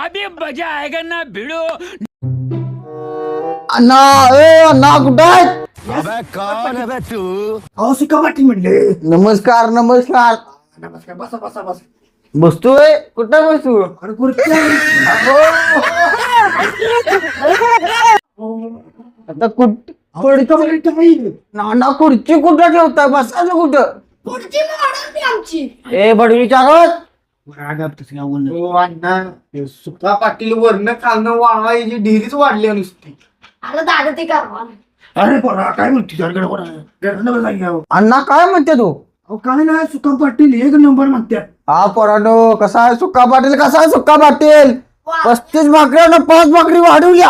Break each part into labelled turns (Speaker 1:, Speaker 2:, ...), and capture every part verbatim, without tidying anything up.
Speaker 1: अभी मजा आएगा ना भिड़ो.
Speaker 2: अण्णा ए अण्णा कुठं आहेत?
Speaker 3: अबे कौन है बे तू?
Speaker 4: अहो सुका पाटील म्हणले.
Speaker 2: नमस्कार नमस्कार.
Speaker 4: नमस्कार, बसा बसा बसा.
Speaker 2: बसतोय कुठं बसू?
Speaker 4: अरे खुर्ची
Speaker 2: आता कुठ
Speaker 4: आहे.
Speaker 2: नाना खुर्ची कुठं ठेवताय? बसायचं कुठं?
Speaker 5: पुढची मॉडेल आमची.
Speaker 2: ए बडवीच्या गावात
Speaker 4: हो अण्णा, हे सुका पाटील वरनं खालनं वाळायची ढिरीच वाढली आहे नुसती.
Speaker 5: आला दादा ते करवा.
Speaker 4: अरे पोरा काय म्हणते अहो
Speaker 2: अण्णा काय म्हणते तू?
Speaker 4: काय नाही, सुका पाटील एक नंबर म्हणतात.
Speaker 2: हा पोरानो कसा आहे सुक्का पाटील? कसा आहे सुक्का पाटील? पस्तीस भाकऱ्यानं पाच भाकरी वाढवल्या.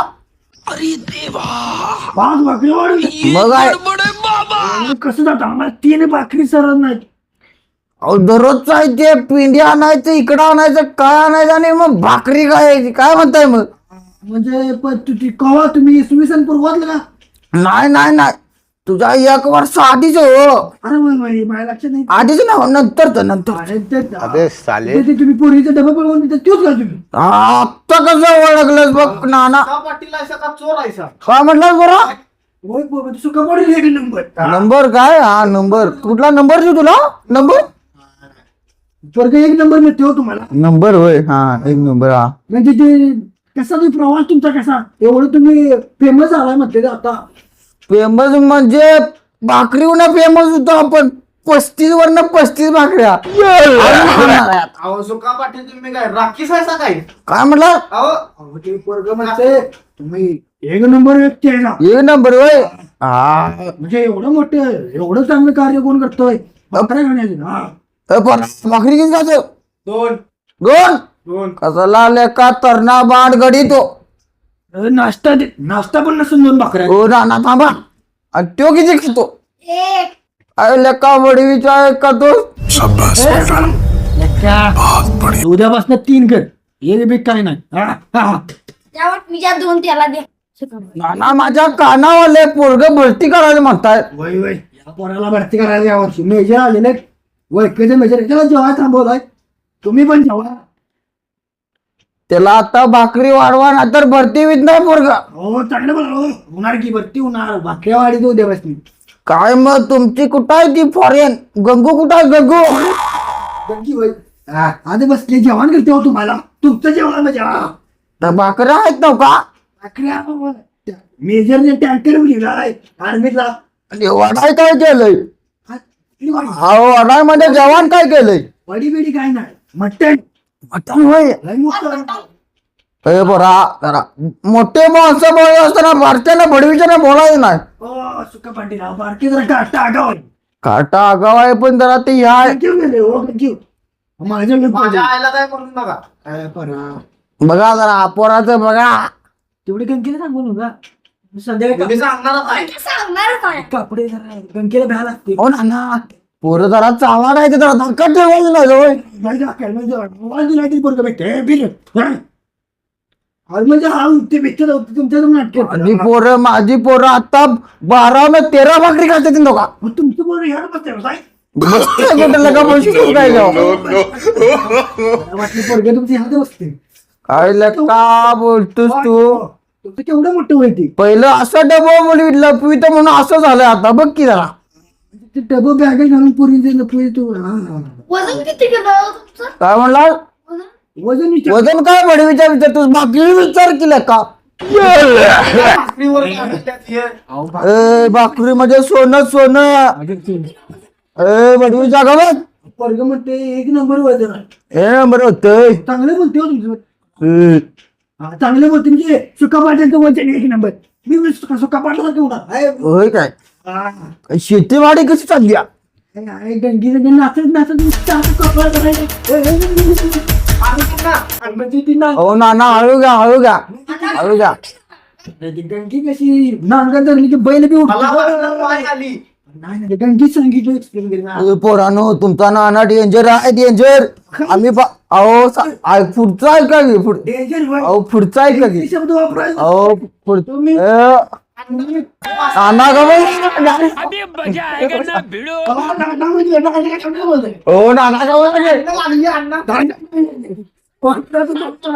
Speaker 4: पाच भाकरी वाढवली.
Speaker 2: मग आहे
Speaker 4: कसं जात आम्हाला तीन भाकरी सरत नाही.
Speaker 2: अहो दररोजचं आहे ते पिंडी आणायचं इकडं आणायचं काय आणायचं आणि मग भाकरी काय काय म्हणताय मग?
Speaker 4: म्हणजे पण तुझी कवा तुम्ही इसवी सन पूर्वातलं का?
Speaker 2: नाही नाही नाही तुझा एक वर्ष आधीच हो.
Speaker 4: अरे वय वय माझ्या लक्षात नाही.
Speaker 2: आधीच ना नंतर नंतर
Speaker 4: अरे ते-
Speaker 3: अबे साले
Speaker 4: ते तुम्ही पोरीचा डबा पळवून देता तोच का तुम्ही?
Speaker 2: आता कसं ओळखलंस बघ नाना?
Speaker 4: पाटील आहे का चोर आहे सा?
Speaker 2: काय म्हटलं बरं?
Speaker 4: होय बाबा, तू सुका पाटील एक नंबर.
Speaker 2: नंबर काय? हा नंबर कुठला नंबर देऊ तुला? नंबर
Speaker 4: वर्ग एक नंबर मिळते हो तुम्हाला.
Speaker 2: नंबर होय हा एक नंबर हा.
Speaker 4: म्हणजे ते कसा तुम्ही प्रवास तुमचा कसा एवढं तुम्ही फेमस झालाय म्हणते ते आता.
Speaker 2: फेमस म्हणजे भाकरीवर फेमस होतो आपण. पस्तीस वरनं पस्तीस भाकऱ्या.
Speaker 4: अहो सुका पाटील तुम्ही काय राखीस आहे काय?
Speaker 2: काय म्हटलं?
Speaker 4: अहो ते वर्ग म्हणते तुम्ही एक नंबर व्यक्ती आहे ना.
Speaker 2: एक नंबर होय हा.
Speaker 4: म्हणजे एवढं मोठं एवढं चांगलं कार्य कोण करतोय? भाकऱ्या घेण्याचे. हा
Speaker 2: ए, पण भाकरी किती खातो?
Speaker 4: दोन
Speaker 2: दोन.
Speaker 4: दोन
Speaker 2: कसला लेका तरणा बाण गडी तो.
Speaker 4: अरे नाश्ता दे- नाश्ता पण नसून दोन भाकऱ्या.
Speaker 2: हो नाना थांबा. आणि तो किती खातो?
Speaker 5: एक
Speaker 2: अरे लेका वडवीचा एक का तो?
Speaker 4: उद्यापासून तीन कर. एक बी काय नाही. हा, हा, हा.
Speaker 5: त्यावर मी ज्या दोन त्याला दे.
Speaker 2: नाना माझ्या कानावाले पोरग भरती करायला म्हणताय.
Speaker 4: वय वय या पोराला भरती करायला यावर्षी मेजर आलेले. वैकेचे मेजर त्याला जेव्हा थांबवलाय. तुम्ही पण जेव्हा.
Speaker 2: त्याला आता भाकरी वाढवा ना तर भरती होत नाही पोरग.
Speaker 4: हो चांगलं बोला हो. होणार की भरती होणार. भाकऱ्या वाढी तो उद्यापासून.
Speaker 2: काय मग तुमची कुठं आहे ती फॉरेन? गंगू कुठं आहे गंगू?
Speaker 4: गंगी होय. हा, आधी बसले जेवण करते हो तुम्हाला. तुमचं जेवण म्हणजे हा.
Speaker 2: तर भाकऱ्या आहेत नव का?
Speaker 4: भाकऱ्या मेजरने टँकर लिहिलाय आर्मीला.
Speaker 2: आणि वडाय काय केलंय? अहो वडाय मध्ये जेवण काय केलंय?
Speaker 4: वडी बिडी काय नाही. मटण
Speaker 2: मटण होय.
Speaker 4: लय मोठं.
Speaker 2: ए बरा जरा मोठे माणसं बोलत असताना भारतीयाला भडवीच्या बोलायचं नाही.
Speaker 4: हो सुका पाटील बारकी जरा काटा आगाव आहे.
Speaker 2: काटा आगाव आहे पण जरा ते ह्या
Speaker 4: Thank you गेले हो thank you. माझ्या माझ्या आईला काय करून नका. काय परा
Speaker 2: बघा जरा पोराचं बघा.
Speaker 4: तेवढे गंगेला सांगून का संध्याकाळी सांगणार
Speaker 5: सांगणार काय?
Speaker 4: कपडे जरा गंगेला भ्या लागते.
Speaker 2: हो ना पोरं जरा चावा नाही ते जरा धक्का ठेवायचं नाही जवळ.
Speaker 4: नाही का, काय म्हणजे आवाज दिला की पोरगं भेटते. हे बिल. हा. आज म्हणजे हा ते भेटत होते तुमच्या नाटक.
Speaker 2: आणि पोरं माझी पोरं आता बारा न तेरा भाकरी खाते ती नका.
Speaker 4: मग तुमचं पोरं ह्याला बसते हो, साहेब.
Speaker 2: कुठं लगा पैसे काय जाऊ?
Speaker 4: मला वाटलं पोरगं तुमच्या ह्याला बसते.
Speaker 2: काय लका बोलतोस तू?
Speaker 4: तुमचं केवढं मोठं होईल
Speaker 2: पहिलं असं डबा मुली लपवी तर म्हणून असं झालं आता बघ की जरा.
Speaker 4: ते डबं बॅग घालून पोरी पोरी तू हा, हा.
Speaker 5: वजन किती केलं तुमचं?
Speaker 2: काय म्हणला?
Speaker 5: वजन?
Speaker 4: वजन विचार.
Speaker 2: वजन काय बडवीच्या विचार तू भाकरी विचार केला का? ए भाकरी म्हणजे सोनं सोनं. ए बडवीच्या गावात
Speaker 4: पोरगं म्हणते एक नंबर वजन आहे.
Speaker 2: हे नंबर होतंय.
Speaker 4: चांगलं बोलते हो तुमचं.
Speaker 2: ए,
Speaker 4: हा, चांगलं बोलते म्हणजे सुका पाटलांचं वजन एक नंबर. मी म्हणजे सुका सुका पाटला केवढा आहे.
Speaker 2: होय काय?
Speaker 4: हा.
Speaker 2: शेतीवाडी कशी चालली आहे?
Speaker 4: आहे, आहे, गंगीचं ते नाचत नाचत नुसतं असं कपाळ करायचं. ए, ए, ए, ए, ए. आणि पुन्हा, आणि म्हणजे ती ना-
Speaker 2: हो ना ना हळू घ्या हळू घ्या हळू घ्या.
Speaker 4: ती गंगी कशी नांगर धरली की बैल बी उठतो. नाही नाही, गंगी सांगितलं एक्सप्लेन केलं ना.
Speaker 2: ए, पोरांनो तुमचा नाना डेंजर आहे डेंजर. आम्ही पा- अहो सा- आ- पुढचा आहे का की? पुढ-
Speaker 4: डेंजर होय.
Speaker 2: अहो पुढचा आहे का की?
Speaker 4: किती शब्द वापरायचा.
Speaker 2: अहो पुढ
Speaker 4: तुम्ही-
Speaker 2: ए, नाना का बाई?
Speaker 1: अभी मजा आएगा ना भिड़ो.
Speaker 4: अहो, ना- ना म्हणजे ना- ना- शब्द बोलतोय.
Speaker 2: हो नाना का बाई?
Speaker 4: लागली अण्णा. कोणता तो डॉक्टर?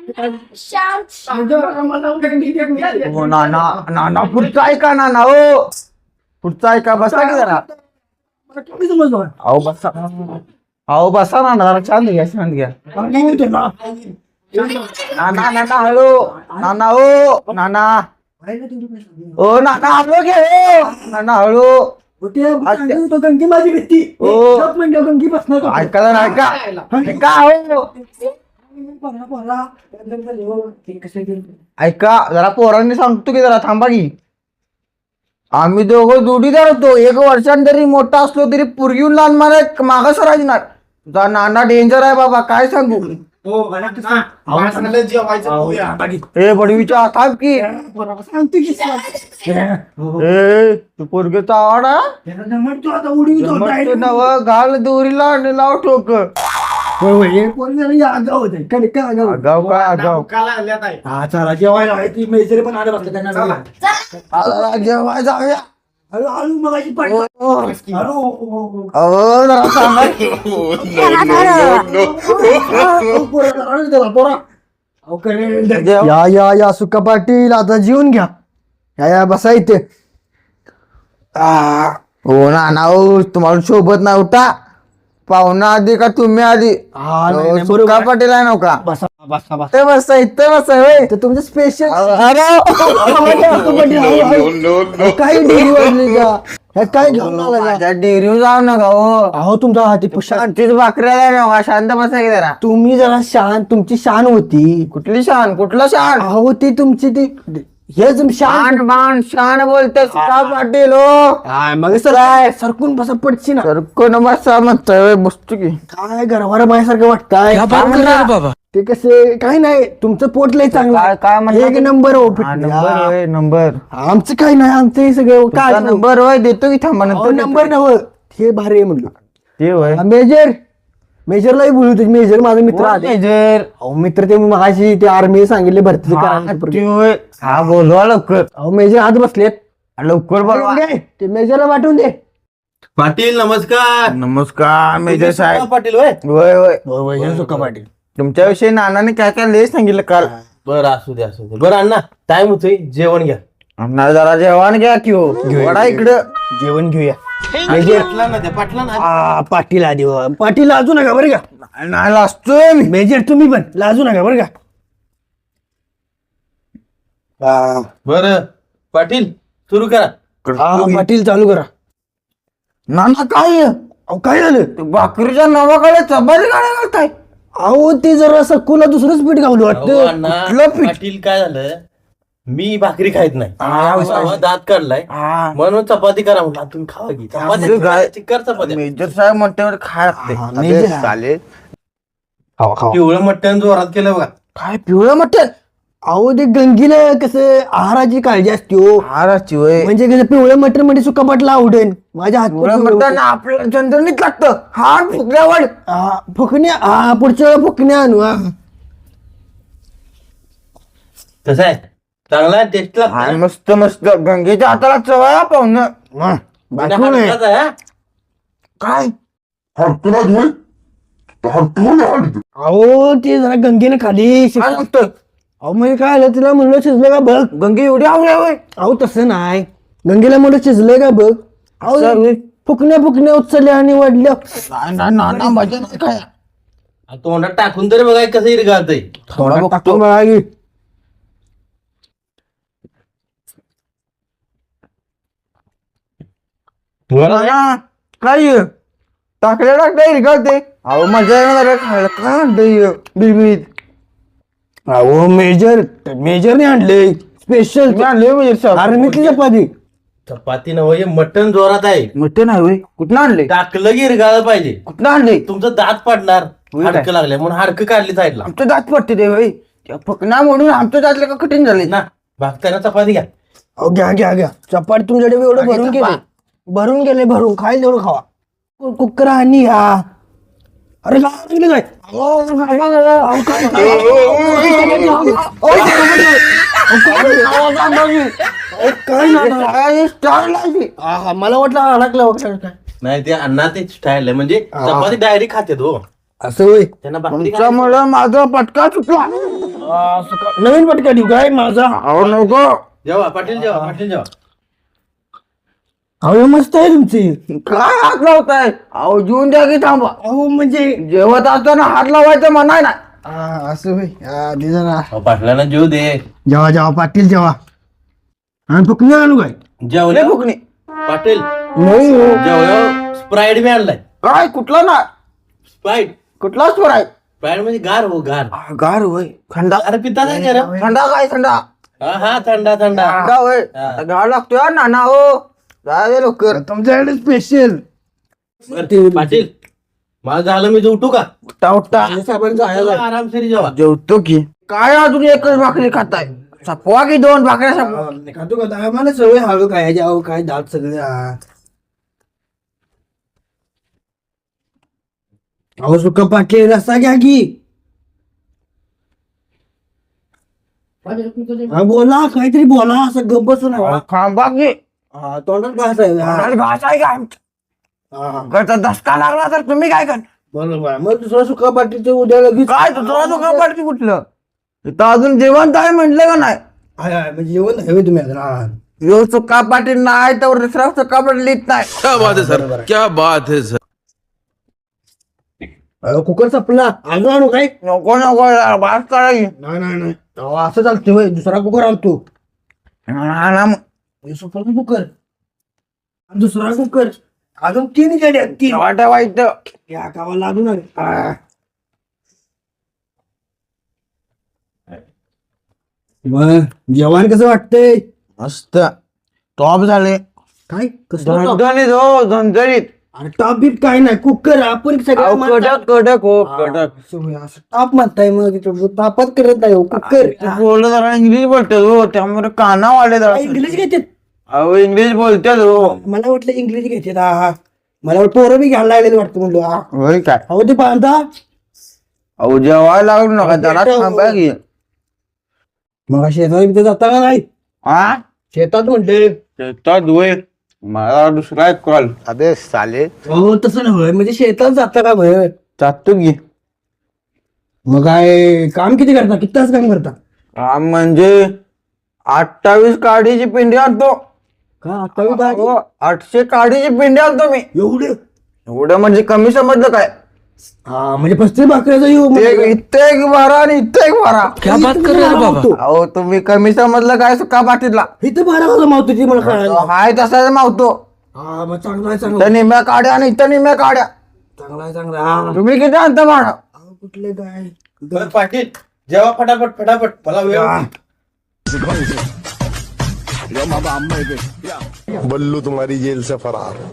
Speaker 5: शांत
Speaker 4: मला गंगी दे, मी दे.
Speaker 2: हो नाना नाना पुढचं ऐका नाना हो पुढचं ऐका बसा की जरा
Speaker 4: मला कमी समजलं.
Speaker 2: अहो बसा अहो बसा ना जरा शांत घ्या शांत घ्या
Speaker 4: गंगी होते ना.
Speaker 2: नाना नाना हळू नाना हो नाना
Speaker 4: पाहिलं तुम्ही कसं?
Speaker 2: ओ नाना हळू घे हो. नाना हळू
Speaker 4: होते, सांगत होतो, गंगी माझी भीती.
Speaker 2: हो.
Speaker 4: गप म्हणलं, गंगी बसणार का?
Speaker 2: ऐका जरा ऐका ऐका हो
Speaker 4: पोरा, पोरा. ते कसं केलं?
Speaker 2: ऐका जरा पोरांनी सांगतो की जरा थांबा की आम्ही दोघं जोडीदार होतो एक वर्षान जरी मोठा असलो तरी पुरगी लहान मला मागं सरायची ना तुझा नाना डेंजर आहे बाबा काय सांगू
Speaker 4: हो, मला तर सांग. मला सांगितलं जेवायचं पोया. बाकी.
Speaker 2: ए बडवीच्या थांब की
Speaker 4: पोरा, सांगतो की सांग. हो.
Speaker 2: ए तू पोरगेचा आवड
Speaker 4: त्याला जमतो आता उडी होतो.
Speaker 2: नव घाल दोरीला आणि लाव ठोक
Speaker 4: होय, होय, हे पोरं जरा या आगाऊ होते. काय काय आगाऊ?
Speaker 2: आगाव काय आगाव
Speaker 4: हा चला जेवायला आहे. ती मेजरी पण आले बसले त्यांना चला.
Speaker 2: आला, जेवाय जाऊया
Speaker 4: हळू हळू मगाशी पाठ.
Speaker 2: हो.
Speaker 4: हळू, हो, हो, हो.
Speaker 2: अहो जरा सांगा की.
Speaker 4: अहो, पोरं, हळू जरा, पोरं. अहो, करेल.
Speaker 2: जेव-
Speaker 4: या या या सुका पाटील आता जेवून घ्या या या बसा इथे.
Speaker 2: आ, हो ना ना हो तुम्हाला सोबत नाही उठा पाहुणा आधी का तुम्ही आधी
Speaker 4: हा, नाही,
Speaker 2: हो,
Speaker 4: नाही,
Speaker 2: सुक्का
Speaker 4: बरोबर.
Speaker 2: पाटील आहे नव्हता
Speaker 4: बसा बसा बसा.
Speaker 2: ते बसा इथे बसा होय
Speaker 4: तर तुमचं स्पेशल
Speaker 2: अरे
Speaker 4: काही डेअरी वाजली का ह्या काय घेऊन आला का?
Speaker 2: माझ्या डेअरी जाऊ नका हो
Speaker 4: अहो तुमचा हाती पुष्पा
Speaker 2: शांतीच भाकऱ्या नका शांत बसा की जरा
Speaker 4: तुम्ही जरा शान तुमची शान होती.
Speaker 2: कुठली शान कुठला शान
Speaker 4: अहो ती तुमची ती हे तुम शान
Speaker 2: शान बाण शान बोलते सुक्का पाटील हो
Speaker 4: काय मग सर काय सरकून बसा पडची ना.
Speaker 2: तर कोण बसा म्हणतोय होय, बसतो की
Speaker 4: काय घरवारा माझ्यासारखं वाटतंय.
Speaker 1: बाबा
Speaker 4: ते कसे काय नाही तुमचं पोट लय चांगलं
Speaker 2: काय- काय म्हणला
Speaker 4: एक
Speaker 2: ते?
Speaker 4: नंबर हो
Speaker 2: हा, नंबर
Speaker 4: फिट.
Speaker 2: होय नंबर
Speaker 4: आमचं काय नाही आमचं हे सगळं काय
Speaker 2: तुमचा नंबर होय देतो की थांबा नंतर
Speaker 4: नंबर
Speaker 2: देतो.
Speaker 4: नव हे भारी आहे म्हणलं.
Speaker 2: ते होय
Speaker 4: मेजर मेजरलाही बोलू तुझे मेजर माझा मित्र
Speaker 2: कोण
Speaker 4: आले.
Speaker 2: मेजर?
Speaker 4: अहो मित्र ते माझी ते आर्मी सांगितले भरती
Speaker 2: हा,
Speaker 4: करायला.
Speaker 2: ते होय. हा बोलवा लवकर
Speaker 4: अहो मेजर आत बसलेत.
Speaker 2: लवकर बोलवा
Speaker 4: ते मेजरला वाटून दे.
Speaker 6: पाटील नमस्कार.
Speaker 2: नमस्कार मेजर साहेब
Speaker 6: पाटील होय.
Speaker 2: होय होय
Speaker 4: पाटील
Speaker 2: तुमच्याविषयी नानाने काय काय लय सांगितलं काल
Speaker 6: बरं असू दे असू दे. बरं अण्णा टाइम होतोय जेवण घ्या.
Speaker 2: अण्णा जरा जेवण घ्या की हो वडा इकडं
Speaker 4: जेवण घेऊया.
Speaker 6: पाटला ना द्या पाटला ना.
Speaker 4: आ, पाटील आधी हो. पाटील लाजू नका बरं का.
Speaker 2: नाही- नाही लाजतोय मी
Speaker 4: मेजर तुम्ही पण लाजू नका बरं का. आ,
Speaker 6: बरं पाटील सुरू करा.
Speaker 4: आ, पाटील चालू करा.
Speaker 2: नाना काय आहे?
Speaker 4: अहो काय झालं
Speaker 2: ते भाकरीच्या नावाकडे चपाती गाड्या घालताय
Speaker 4: अहो ते जरा सकुला दुसरंच पीठ गावलं
Speaker 6: अहो,
Speaker 4: वाटतं.
Speaker 6: अण्णा
Speaker 2: कुठलं पीठ?
Speaker 6: पाटील काय झालं मी भाकरी खायत नाही.
Speaker 2: हा,
Speaker 6: भावा दात काढलाय
Speaker 2: हा.
Speaker 6: म्हणून चपाती करा म्हटलं तुम्ही खावा की
Speaker 2: असं
Speaker 6: चपाती
Speaker 2: काय?
Speaker 6: चिक्कार चपाती
Speaker 2: मेजर साहेब म्हणते खाय लागते
Speaker 4: हा,
Speaker 2: अबे,
Speaker 4: मेजर.
Speaker 2: चालेल
Speaker 4: खावा खावा.
Speaker 6: पिवळं मटण जोरात केलं बघा.
Speaker 2: काय पिवळं मटण
Speaker 4: अहो ते गंगीला कसं आहाराची काळजी असते हो.
Speaker 2: हाराची होय
Speaker 4: म्हणजे कसं पिवळं मटण म्हणजे सुका पाटला आवडेल माझ्या
Speaker 2: पिवळं
Speaker 4: हात
Speaker 2: मटण आपल्याला चंद्रनीत लागतं हात फुगल्यावर
Speaker 4: फुकण्या हा पुढच्या वेळेला फुकण्या आणू हा.
Speaker 6: कसं आहे चांगला टेस्ट
Speaker 2: हा,
Speaker 6: लागतो.
Speaker 2: मस्त मस्त गंगेच्या हाताला चवया पाहुणं
Speaker 4: बाकी नाही.
Speaker 2: काय
Speaker 4: अहो ते जरा गंगेने खाली शिक-
Speaker 2: काय सांगतोय
Speaker 4: अहो म्हणजे काय आलं तिला म्हणलं शिजलं का बघ.
Speaker 2: गंगे एवढी आवडे होय
Speaker 4: अहो तसं नाही गंगेला म्हणलं शिजलंय का बघ. अहो
Speaker 2: असं होय?
Speaker 4: फुकण्या फुकण्या उचलल्या आणि वाढल्या.
Speaker 2: नाही नाही नाना मजा नाही काय
Speaker 6: तोंडात टाकून तरी बघा कसं इरगाळतंय.
Speaker 2: थोडा
Speaker 4: टाकतो
Speaker 2: बघतो
Speaker 4: बघा की.
Speaker 2: नाना, काय हे? टाकल्या टाकल्या इरगाळते अहो मजा येणार खायला काय म्हणतोय बिलबिलीत
Speaker 4: अहो मेजर मेजरने आणले स्पेशल
Speaker 2: तुम्ही आणले म्हणजे साहेब
Speaker 4: आर्मीतली चपाती.
Speaker 6: चपाती नव्हे हे मटण जोरात आहे.
Speaker 2: मोठे नाही होय कुठं आणले
Speaker 6: टाकलं की इरगाळलं पाहिजे.
Speaker 2: कुठं आणले
Speaker 6: तुमचं दात पडणार
Speaker 2: होय काय?
Speaker 6: हाडकं लागले म्हणून हाडकं काढली साईडला
Speaker 2: आमचं दात पडते ते होय त्या फकना म्हणून आमचं दातलं का कठीण झाले
Speaker 6: ना. भागताना चपाती घ्या.
Speaker 4: अहो घ्या घ्या घ्या चपाती तुमच्याकडे एवढं
Speaker 2: आणि
Speaker 4: भरून
Speaker 2: चपा.
Speaker 4: गेले भरून गेले भरून खायला तेवढं खावा. कु- कुकर आणि घ्या. अरे काय लागलं काय अहो, काय- अहो, काय नाही. आहा, मला वाटलं अडकलं वगैरे काय.
Speaker 6: नाही ते अण्णा ते स्टाईल आहे म्हणजे चपाती डायरेक्ट खाते हो.
Speaker 4: असं होय
Speaker 6: त्यांना भाकरी
Speaker 2: तुमच्यामुळे माझा पटका चुकला
Speaker 4: आ, सुका- नवीन पटका देऊ काय माझा
Speaker 2: अहो नको
Speaker 6: जेवा पाटील जेवा पाटील जेवा
Speaker 4: अहो मस्त आहे तुमची
Speaker 2: काय हात लावताय अहो जेवून द्या की थांबा
Speaker 4: अहो म्हणजे
Speaker 2: जेवत असताना हात लावायचं म्हणाय ना
Speaker 4: आ, असं होय आ, दे जरा
Speaker 6: अहो, पाटलांना जेव दे
Speaker 4: जेवा जेवा पाटील जेवा आणि फुकणी आणू काय
Speaker 6: जेवले
Speaker 2: फुकणी
Speaker 6: पाटील
Speaker 2: नाही हो.
Speaker 6: जेवल्या स्प्राईट बी आणलाय
Speaker 2: काय कुठला ना
Speaker 6: स्प्राईट
Speaker 2: कुठला स्वर आहे
Speaker 6: स्प्राईट म्हणजे गार हो गार
Speaker 2: आ, गार होय थंडा
Speaker 6: अरे पिता काय करा
Speaker 2: थंडा काय थंडा
Speaker 6: हा हा थंडा थंडा
Speaker 2: थंडा होय आता गार लागतोय हा नाना हो जावे लवकर
Speaker 4: तुमच्याकडे स्पेशल
Speaker 6: बरं, पाटील माझं झालं मी उठू का
Speaker 2: उठा उठा
Speaker 6: आरामशीर जेवा
Speaker 2: जेवतो की काय अजून एकच भाकरी खाताय सपवा की दोन भाकऱ्या सपवा
Speaker 4: खातो का आम्हाला सवय हळू काय अहो काय दात सगळे आ. अहो सुका पाटील रस्ता घ्या की हा बोला काहीतरी बोला असं गप्प बसून
Speaker 2: अहो, खांबा की
Speaker 4: हा तोंडात घास आहे हा.
Speaker 2: तोंडात घास आहे का आमच्या?
Speaker 4: हा,
Speaker 2: घरचा धसका लागला तर तुम्ही काय कर
Speaker 4: बरोबर मग दुसरा सुका पाटीलचं उद्या लगेच
Speaker 2: काय तुझा तुका पडते कुठलं इथं अजून जेवण आहे म्हटलं का नाही
Speaker 4: हाय, हाय, म्हणजे जेवण हवे तुम्ही आता हा.
Speaker 2: यो चुका पाटील नाही तर दुसरा चुका पाटील लिहित नाही
Speaker 7: क्या बात है सर क्या बात है सर
Speaker 4: अहो, कुकर संपला अजून आणू काय
Speaker 2: नको नको यार, बास करायची
Speaker 4: नाही नाही नाही अहो, असं चालतं होय दुसरा कुकर आणतो
Speaker 2: ना ना मग.
Speaker 4: हे सुपर कुकर आणि दुसरा कुकर अजून तीन गाड्या तीन
Speaker 2: जेव्हा ठेवायचं
Speaker 4: या गावाला लागून आले. आ. मग जेवण कसं वाटतंय
Speaker 2: मस्त टॉप झाले
Speaker 4: काय कसं
Speaker 2: झणझणीत हो झणझणीत
Speaker 4: अरे टॉप बीप काय नाही कुकर आपण
Speaker 2: अहो,
Speaker 4: सगळं
Speaker 2: कडक कडक हो कडक
Speaker 4: टॉप म्हणताय मग तिथं तापात करत नाही हो कुकर
Speaker 2: बोलत जरा इंग्लिश बोलतात हो त्यामुळे काना वाढले जरा
Speaker 4: इंग्लिश घेतात
Speaker 2: अहो इंग्लिश बोलतात हो
Speaker 4: मला वाटलं इंग्लिश घेतात हा हा मला वाटतं पोरं बी घ्यायला लागलेली वाटतं म्हणलो हा
Speaker 2: होय काय
Speaker 4: अहो ते बांधा
Speaker 2: अहो जेवायला लागलो नका जरा थांबा की
Speaker 4: मग शेतात बिथं जाता का नाही
Speaker 2: हा
Speaker 4: शेतात म्हणते
Speaker 2: शेतात होय मला दुसरा एक कॉल
Speaker 3: अबे साले
Speaker 4: हो तसं नाही म्हणजे शेतात जाता का भय
Speaker 2: जातो की
Speaker 4: मग काय काम किती करता किती तास काम करता
Speaker 2: हा म्हणजे अठ्ठावीस काडीची पिंडी आणतो
Speaker 4: का अठ्ठावीस तास?
Speaker 2: हो, आठशे काडीची पिंडी आणतो मी
Speaker 4: एवढे
Speaker 2: एवढं म्हणजे कमी समजलं काय
Speaker 4: हा म्हणजे पस्तीस भाकऱ्याचा येऊ
Speaker 2: ते इथं एक बारा आणि इथं एक बारा अहो तुम्ही कमी समजलं काय सुका पाटीलला
Speaker 4: इथं बारा वाजता मावतो ती मला कळायला
Speaker 2: हाय तसाच मावतो
Speaker 4: हा मग चांगला आहे चांगला
Speaker 2: इथं निम्या काड्या आणि इथं निम्या काड्या
Speaker 4: चांगला आहे चांगला आहे. हा.
Speaker 2: तुम्ही किती आणता भाडं
Speaker 4: अहो, कुठले काय
Speaker 6: बरं, पाटील जेवा फटाफट फटाफट मला वेळ
Speaker 4: हा.
Speaker 3: बल्लू तुम्हारी जेल से फरार